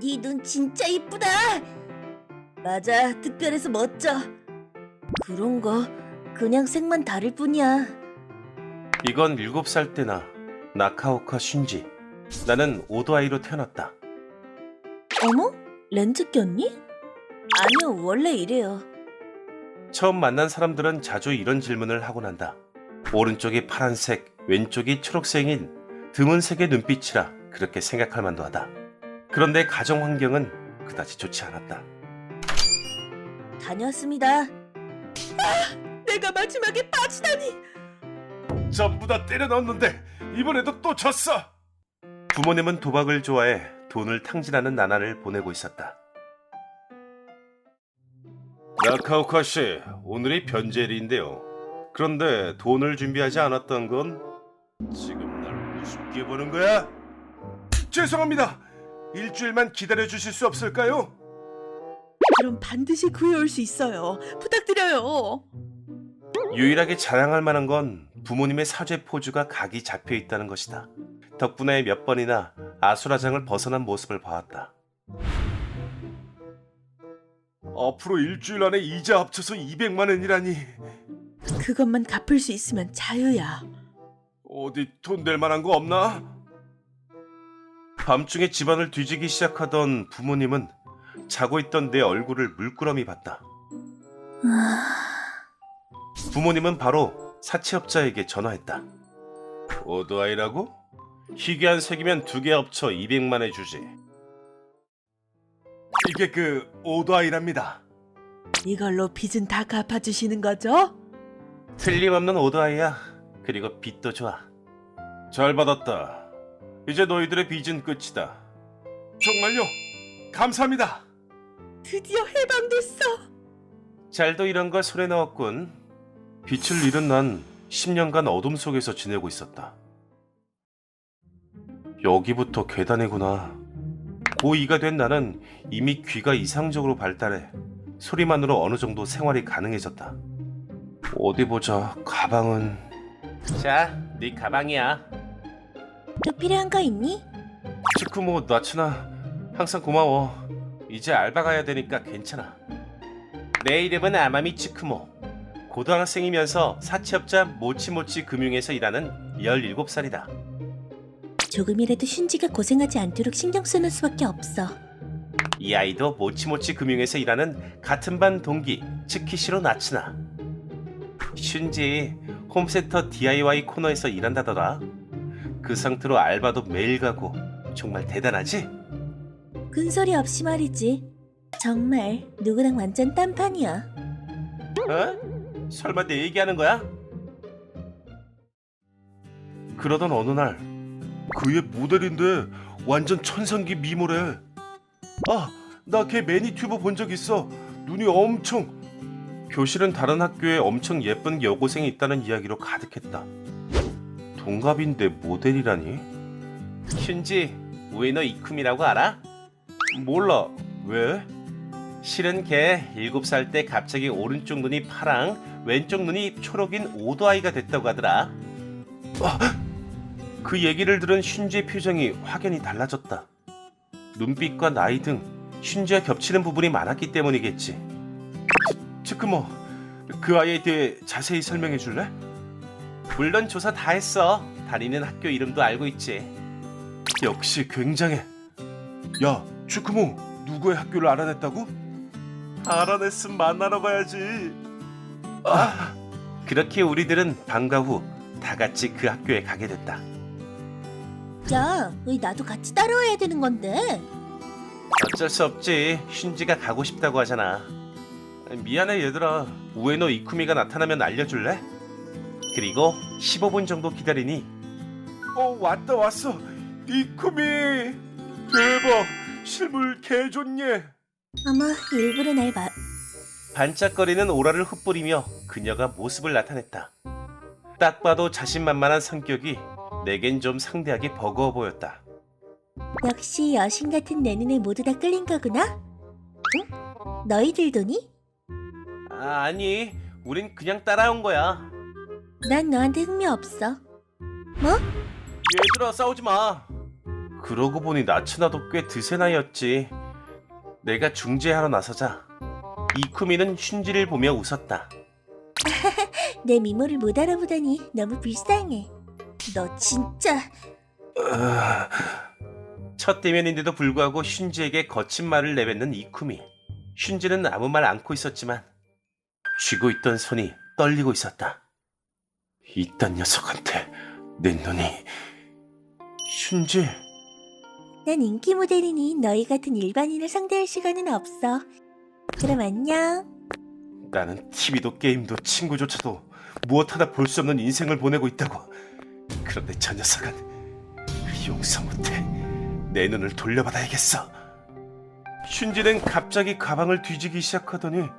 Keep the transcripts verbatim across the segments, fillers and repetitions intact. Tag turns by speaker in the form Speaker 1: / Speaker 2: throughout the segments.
Speaker 1: 네 눈 진짜 이쁘다. 맞아, 특별해서 멋져. 그런 거 그냥 색만 다를 뿐이야.
Speaker 2: 이건 일곱 살 때나 나카오카 슌지. 나는 오도아이로 태어났다.
Speaker 1: 어머? 렌즈 꼈니? 아니요, 원래 이래요.
Speaker 2: 처음 만난 사람들은 자주 이런 질문을 하곤 한다. 오른쪽이 파란색, 왼쪽이 초록색인 드문 색의 눈빛이라 그렇게 생각할 만도 하다. 그런데 가정 환경은 그다지 좋지 않았다.
Speaker 1: 다녔습니다. 아, 내가 마지막에 빠지다니.
Speaker 2: 전부 다 때려 넣었는데 이번에도 또 졌어. 부모님은 도박을 좋아해 돈을 탕진하는 나날을 보내고 있었다. 나카오카 씨, 오늘이 변제일인데요. 그런데 돈을 준비하지 않았던 건 지금 날 우습게 보는 거야? 죄송합니다. 일주일만 기다려 주실 수 없을까요?
Speaker 3: 그럼 반드시 구해올 수 있어요. 부탁드려요.
Speaker 2: 유일하게 자랑할 만한 건 부모님의 사죄 포즈가 각이 잡혀 있다는 것이다. 덕분에 몇 번이나 아수라장을 벗어난 모습을 봐왔다. 앞으로 일주일 안에 이자 합쳐서 이백만 원이라니.
Speaker 3: 그것만 갚을 수 있으면 자유야.
Speaker 2: 어디 돈 낼 만한 거 없나? 밤중에 집안을 뒤지기 시작하던 부모님은 자고 있던 내 얼굴을 물끄러미 봤다. 부모님은 바로 사채업자에게 전화했다. 오도아이라고? 희귀한 색이면 두 개 합쳐 이백만에 주지. 이게 그 오도아이랍니다.
Speaker 3: 이걸로 빚은 다 갚아주시는 거죠?
Speaker 2: 틀림없는 오도아이야. 그리고 빚도 좋아. 잘 받았다. 이제 너희들의 빚은 끝이다. 정말요? 감사합니다.
Speaker 3: 드디어 해방됐어.
Speaker 2: 잘도 이런 걸 손에 넣었군. 빛을 잃은 난 십 년간 어둠 속에서 지내고 있었다. 여기부터 계단이구나. 고이가 된 나는 이미 귀가 이상적으로 발달해 소리만으로 어느 정도 생활이 가능해졌다. 어디 보자. 가방은... 자, 네 가방이야.
Speaker 1: 또 필요한 거 있니?
Speaker 2: 치쿠모, 나츠나 항상 고마워. 이제 알바 가야 되니까 괜찮아. 내 이름은 아마미 치쿠모. 고등학생이면서 사채업자 모치모치 금융에서 일하는 열일곱 살이다.
Speaker 1: 조금이라도 슌지가 고생하지 않도록 신경 쓰는 수밖에 없어.
Speaker 2: 이 아이도 모치모치 금융에서 일하는 같은 반 동기 츠키시로 나츠나. 슌지 홈센터 디아이와이 코너에서 일한다더라. 그 상태로 알바도 매일 가고. 정말 대단하지?
Speaker 1: 큰소리 없이 말이지. 정말 누구랑 완전 딴판이야.
Speaker 2: 어? 설마 내 얘기하는 거야? 그러던 어느 날 그의 모델인데 완전 천상기 미모래. 아, 나 걔 매니튜브 본 적 있어. 눈이 엄청... 교실은 다른 학교에 엄청 예쁜 여고생이 있다는 이야기로 가득했다. 동갑인데 모델이라니? 슌지, 우에노 이쿠미라고 알아? 몰라. 왜? 실은 걔 일곱 살 때 갑자기 오른쪽 눈이 파랑, 왼쪽 눈이 초록인 오도아이가 됐다고 하더라. 아, 그 얘기를 들은 슌지의 표정이 확연히 달라졌다. 눈빛과 나이 등 슌지와 겹치는 부분이 많았기 때문이겠지. 치크모, 그 아이에 대해 자세히 설명해 줄래? 물론 조사 다 했어. 다니는 학교 이름도 알고 있지. 역시 굉장해. 야, 치크모, 누구의 학교를 알아냈다고? 알아냈으면 만나러 가야지. 아, 그렇게 우리들은 방과 후 다 같이 그 학교에 가게 됐다.
Speaker 1: 야, 왜 나도 같이 따라와야 되는 건데?
Speaker 2: 어쩔 수 없지. 슌지가 가고 싶다고 하잖아. 미안해 얘들아. 우에노 이쿠미가 나타나면 알려줄래? 그리고 십오 분 정도 기다리니 어, 왔다 왔어. 이쿠미 대박. 실물 개 좋네.
Speaker 1: 아마 일부러 날 봐.
Speaker 2: 반짝거리는 오라를 흩뿌리며 그녀가 모습을 나타냈다. 딱 봐도 자신만만한 성격이 내겐 좀 상대하기 버거워 보였다.
Speaker 1: 역시 여신 같은 내 눈에 모두 다 끌린 거구나? 응? 너희들도니?
Speaker 2: 아, 아니, 우린 그냥 따라온 거야.
Speaker 1: 난 너한테 흥미 없어. 뭐?
Speaker 2: 얘들아, 싸우지 마. 그러고 보니 나츠나도 꽤 드세 나이였지. 내가 중재하러 나서자 이쿠미는 슌지를 보며 웃었다.
Speaker 1: 내 미모를 못 알아보다니 너무 불쌍해. 너 진짜
Speaker 2: 첫 대면인데도 불구하고 슌지에게 거친 말을 내뱉는 이쿠미. 슌지는 아무 말 않고 있었지만 쥐고 있던 손이 떨리고 있었다. 이딴 녀석한테 내 눈이... 슌지...
Speaker 1: 난 인기 모델이니 너희 같은 일반인을 상대할 시간은 없어. 그럼 안녕.
Speaker 2: 나는 티비도 게임도 친구조차도 무엇 하나 볼 수 없는 인생을 보내고 있다고. 그런데 저 녀석은 용서 못해. 내 눈을 돌려받아야겠어. 슌지는 갑자기 가방을 뒤지기 시작하더니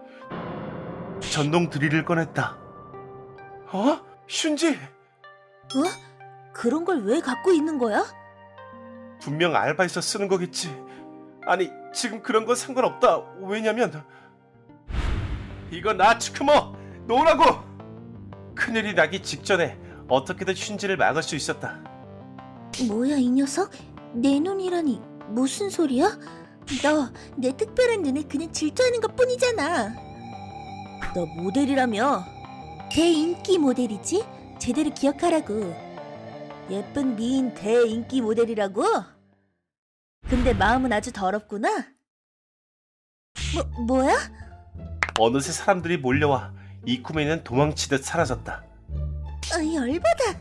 Speaker 2: 전동 드릴을 꺼냈다. 어? 슌지!
Speaker 1: 어? 그런 걸 왜 갖고 있는 거야?
Speaker 2: 분명 알바에서 쓰는 거겠지. 아니, 지금 그런 건 상관없다. 왜냐면 이거 나 츠크모! 놓으라고! 큰일이 나기 직전에 어떻게든 슌지를 막을 수 있었다.
Speaker 1: 뭐야 이 녀석? 내 눈이라니 무슨 소리야? 너 내 특별한 눈에 그냥 질투하는 것 뿐이잖아. 너 모델이라며? 대인기 모델이지? 제대로 기억하라고. 예쁜 미인 대인기 모델이라고? 근데 마음은 아주 더럽구나. 뭐, 뭐야?
Speaker 2: 어느새 사람들이 몰려와 이쿠미는 도망치듯 사라졌다.
Speaker 1: 아, 열받아.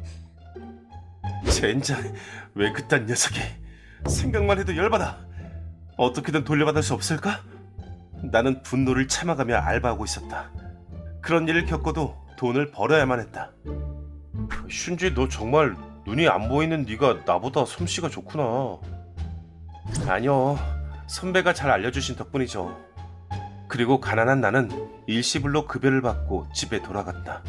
Speaker 2: 젠장, 왜 그딴 녀석이. 생각만 해도 열받아. 어떻게든 돌려받을 수 없을까? 나는 분노를 참아가며 알바하고 있었다. 그런 일을 겪어도 돈을 벌어야만 했다. 슌지, 너 정말 눈이 안 보이는 네가 나보다 솜씨가 좋구나. 아니요, 선배가 잘 알려주신 덕분이죠. 그리고 가난한 나는 일시불로 급여를 받고 집에 돌아갔다.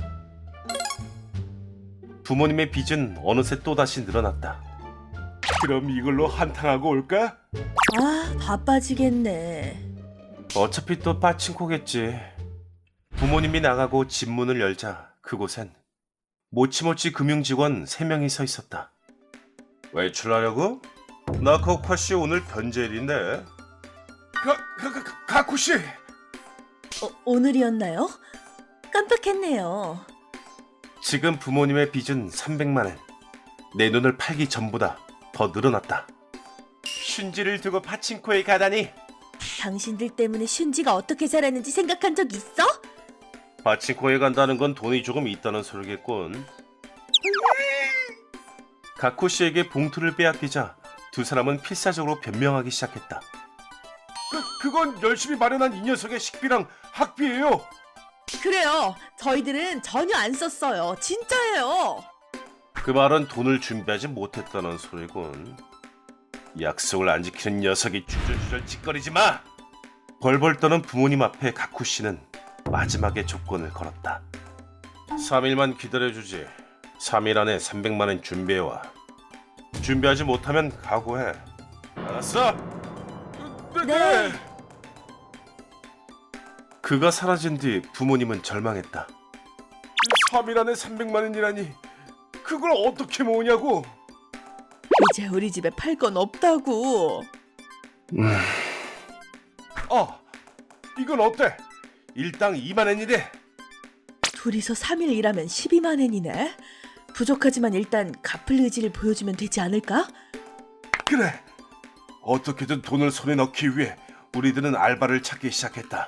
Speaker 2: 부모님의 빚은 어느새 또다시 늘어났다. 그럼 이걸로 한탕하고 올까?
Speaker 1: 아, 바빠지겠네.
Speaker 2: 어차피 또 빠친코겠지. 부모님이 나가고 집 문을 열자 그곳엔 모치모치 금융직원 세 명이 서 있었다. 외출하려고? 나 코카씨 오늘 변제일인데. 가, 가, 가, 가쿠씨!
Speaker 1: 어, 오늘이었나요? 깜빡했네요.
Speaker 2: 지금 부모님의 빚은 삼백만 엔. 내 눈을 팔기 전보다 더 늘어났다. 슌지를 두고 파친코에 가다니.
Speaker 1: 당신들 때문에 슌지가 어떻게 자랐는지 생각한 적 있어?
Speaker 2: 파친코에 간다는 건 돈이 조금 있다는 소리겠군. 가쿠 씨에게 봉투를 빼앗기자 두 사람은 필사적으로 변명하기 시작했다. 그, 그건 열심히 마련한 이 녀석의 식비랑 학비예요.
Speaker 3: 그래요. 저희들은 전혀 안 썼어요. 진짜예요.
Speaker 2: 그 말은 돈을 준비하지 못했다는 소리군. 약속을 안 지키는 녀석이 주절주절 짓거리지 마! 벌벌 떠는 부모님 앞에 가쿠 씨는 마지막에 조건을 걸었다. 삼 일만 기다려주지. 삼 일 안에 삼백만 원 준비해와. 준비하지 못하면 각오해. 알았어?
Speaker 1: 네.
Speaker 2: 그가 사라진 뒤 부모님은 절망했다. 삼 일 안에 삼백만 원이라니 그걸 어떻게 모으냐고.
Speaker 3: 이제 우리 집에 팔 건 없다고.
Speaker 2: 음. 어, 이건 어때? 일당 이만 원이래.
Speaker 3: 둘이서 삼 일 일하면 십이만 엔이네. 부족하지만 일단 갚을 의지를 보여주면 되지 않을까?
Speaker 2: 그래. 어떻게든 돈을 손에 넣기 위해 우리들은 알바를 찾기 시작했다.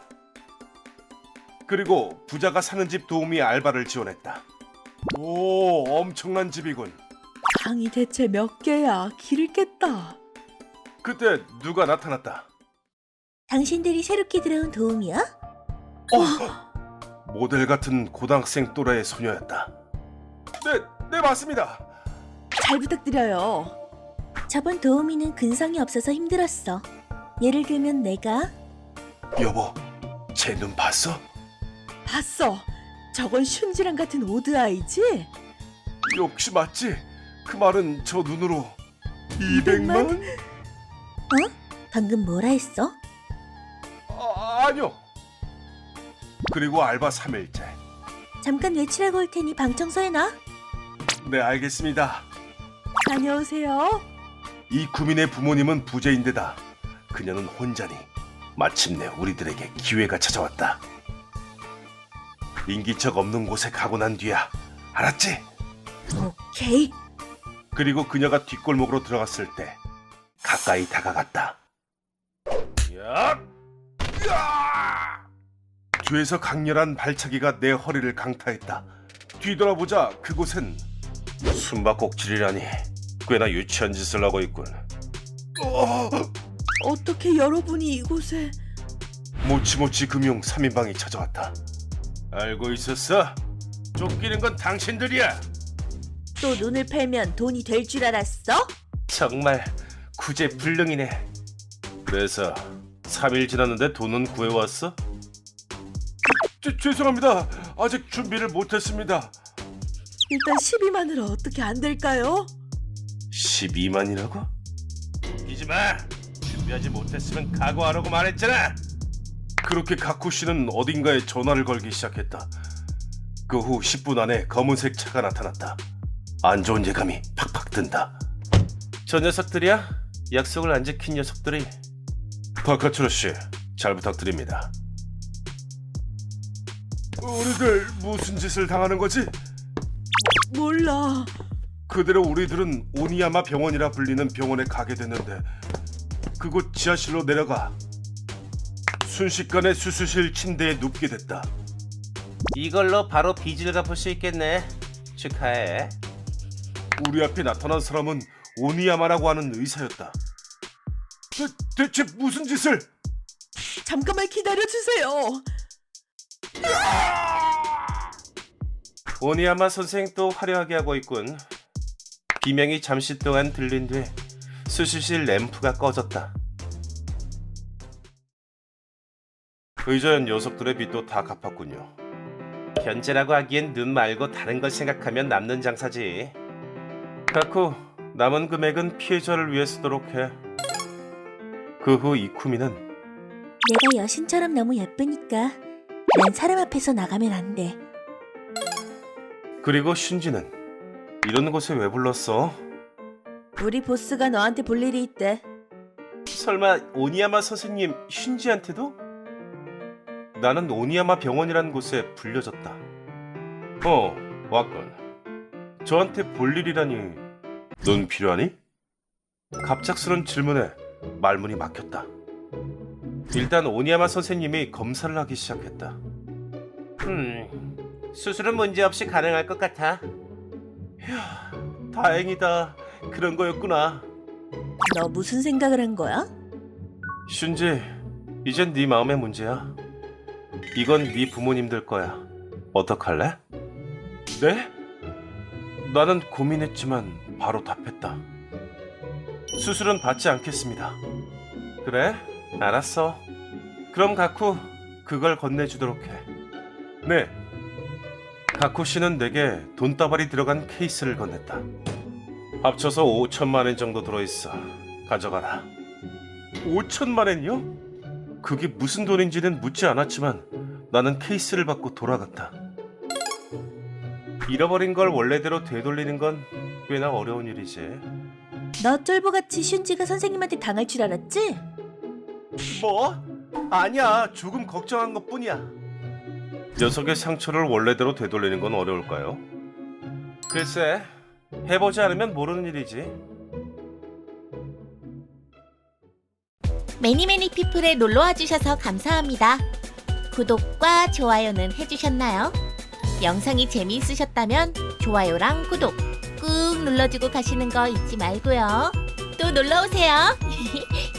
Speaker 2: 그리고 부자가 사는 집 도우미 알바를 지원했다. 오, 엄청난 집이군.
Speaker 3: 방이 대체 몇 개야? 길을 깼다.
Speaker 2: 그때 누가 나타났다.
Speaker 1: 당신들이 새롭게 들어온 도움이야?
Speaker 2: 어, 모델 같은 고등학생 또래의 소녀였다. 네, 네 맞습니다.
Speaker 3: 잘 부탁드려요.
Speaker 1: 저번 도우미는 근성이 없어서 힘들었어. 예를 들면 내가.
Speaker 2: 여보, 제 눈 봤어?
Speaker 3: 봤어. 저건 슌지랑 같은 오드아이지?
Speaker 2: 역시 맞지? 그 말은 저 눈으로 이백만?
Speaker 1: 어? 방금 뭐라 했어?
Speaker 2: 아, 아니요. 그리고 알바 삼 일째.
Speaker 1: 잠깐 외출하고 올 테니 방 청소해놔.
Speaker 2: 네, 알겠습니다.
Speaker 3: 다녀오세요.
Speaker 2: 이 구민의 부모님은 부재인데다 그녀는 혼자니 마침내 우리들에게 기회가 찾아왔다. 인기척 없는 곳에 가고 난 뒤야. 알았지?
Speaker 1: 오케이.
Speaker 2: 그리고 그녀가 뒷골목으로 들어갔을 때 가까이 다가갔다. 야! 야! 뒤에서 강렬한 발차기가 내 허리를 강타했다. 뒤돌아보자 그곳엔 숨바꼭질이라니 꽤나 유치한 짓을 하고 있군. 어!
Speaker 3: 어떻게 여러분이 이곳에...
Speaker 2: 모치모치 금융 삼 인방이 찾아왔다. 알고 있었어? 쫓기는 건 당신들이야.
Speaker 1: 또 눈을 팔면 돈이 될 줄 알았어?
Speaker 2: 정말 구제불능이네. 그래서 삼 일 지났는데 돈은 구해왔어? 죄, 죄송합니다. 아직 준비를 못했습니다.
Speaker 3: 일단 십이만으로 어떻게 안 될까요?
Speaker 2: 십이만이라고? 웃기지 마. 준비하지 못했으면 각오하라고 말했잖아. 그렇게 가쿠 씨는 어딘가에 전화를 걸기 시작했다. 그 후 십 분 안에 검은색 차가 나타났다. 안 좋은 예감이 팍팍 든다. 저 녀석들이야? 약속을 안 지킨 녀석들이. 바카츠로 씨, 잘 부탁드립니다. 우리들 무슨 짓을 당하는 거지?
Speaker 3: 몰라.
Speaker 2: 그대로 우리들은 오니야마 병원이라 불리는 병원에 가게 됐는데 그곳 지하실로 내려가 순식간에 수술실 침대에 눕게 됐다.
Speaker 4: 이걸로 바로 빚을 갚을 수 있겠네. 축하해.
Speaker 2: 우리 앞에 나타난 사람은 오니야마라고 하는 의사였다. 대, 대체 무슨 짓을?
Speaker 3: 잠깐만 기다려주세요.
Speaker 4: 오니야마 선생 또 화려하게 하고 있군. 비명이 잠시 동안 들린 뒤 수술실 램프가 꺼졌다.
Speaker 2: 의자연 녀석들의 빚도 다 갚았군요.
Speaker 4: 견제라고 하기엔 눈 말고 다른 걸 생각하면 남는 장사지.
Speaker 2: 가쿠, 남은 금액은 피해자를 위해 쓰도록 해. 그 후 이쿠미는
Speaker 1: 내가 여신처럼 너무 예쁘니까 난 사람 앞에서 나가면 안 돼.
Speaker 2: 그리고 슌지는 이런 곳에 왜 불렀어?
Speaker 1: 우리 보스가 너한테 볼 일이 있대.
Speaker 4: 설마 오니야마 선생님 슌지한테도?
Speaker 2: 나는 오니야마 병원이라는 곳에 불려졌다. 어, 왔군. 저한테 볼 일이라니. 넌 필요하니? 갑작스런 질문에 말문이 막혔다. 일단 오니야마 선생님이 검사를 하기 시작했다.
Speaker 4: 음, 수술은 문제없이 가능할 것 같아.
Speaker 2: 휴, 다행이다. 그런 거였구나.
Speaker 1: 너 무슨 생각을 한 거야?
Speaker 2: 슌지, 이젠 네 마음의 문제야. 이건 네 부모님들 거야. 어떡할래? 네? 나는 고민했지만 바로 답했다. 수술은 받지 않겠습니다. 그래? 알았어. 그럼 가쿠, 그걸 건네주도록 해. 네. 가쿠 씨는 내게 돈다발이 들어간 케이스를 건넸다. 합쳐서 오천만 엔 정도 들어있어. 가져가라. 오천만 엔이요? 그게 무슨 돈인지는 묻지 않았지만 나는 케이스를 받고 돌아갔다.
Speaker 4: 잃어버린 걸 원래대로 되돌리는 건 꽤나 어려운 일이지.
Speaker 1: 너 쫄보같이 슌지가 선생님한테 당할 줄 알았지?
Speaker 2: 뭐? 아니야. 조금 걱정한 것뿐이야. 녀석의 상처를 원래대로 되돌리는 건 어려울까요?
Speaker 4: 글쎄, 해보지 않으면 모르는 일이지.
Speaker 5: 매니매니 피플에 놀러와 주셔서 감사합니다. 구독과 좋아요는 해주셨나요? 영상이 재미있으셨다면 좋아요랑 구독 꾹 눌러주고 가시는 거 잊지 말고요. 또 놀러오세요.